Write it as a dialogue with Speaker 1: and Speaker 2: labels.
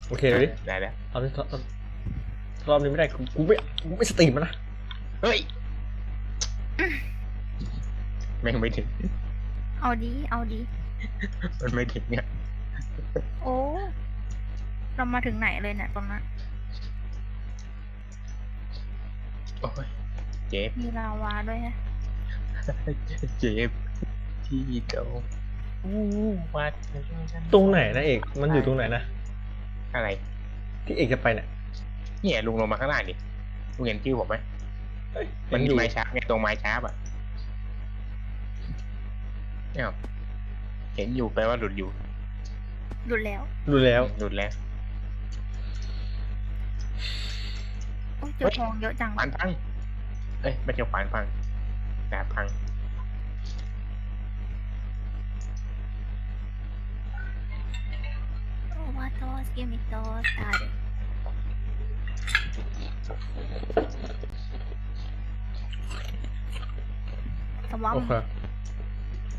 Speaker 1: โอเคเลยดิ
Speaker 2: ได้แล้ว
Speaker 1: เอาดิรอบนี้ไม่ได้กูไม่สตรีมมันนะ
Speaker 2: เฮ้ยแม่งไม่ถึง
Speaker 3: เอาดี
Speaker 2: มันไม่ถึงเนี่ย
Speaker 3: โอ้เรามาถึงไหนเลยเนี่ยตรงนั้น
Speaker 2: โอ้ยเจ็บ
Speaker 3: มีลาวาด้วยฮะ
Speaker 2: เจ็บที่โดนวัด
Speaker 1: ตรงไหนนะเอกมันอยู่ตรงไหนนะ
Speaker 2: อะไร
Speaker 1: ที่เอกจะไปเนี่ย
Speaker 2: เนี่ยลุงลงมาข้างล่างดิลุงเห็นชื่อผมไหม
Speaker 1: เอ้ย
Speaker 2: มันมี
Speaker 1: อยู่
Speaker 2: ไม้ช้าไงตรงไม้ช้าอ่ะเนี่ยเห็นอยู่แปลว่าหลุดอยู่
Speaker 3: หลุดแล้ว
Speaker 1: ดูแล้ว
Speaker 2: หลุดแล้ว
Speaker 3: โอ้ยเจอทองเยอะจัง
Speaker 2: ขวานพังเอ้ยไม่ใช่ขวานพังดาบพัง
Speaker 3: โอ้วาโตสกิมิโตสตาร์ สวัม
Speaker 1: โอเค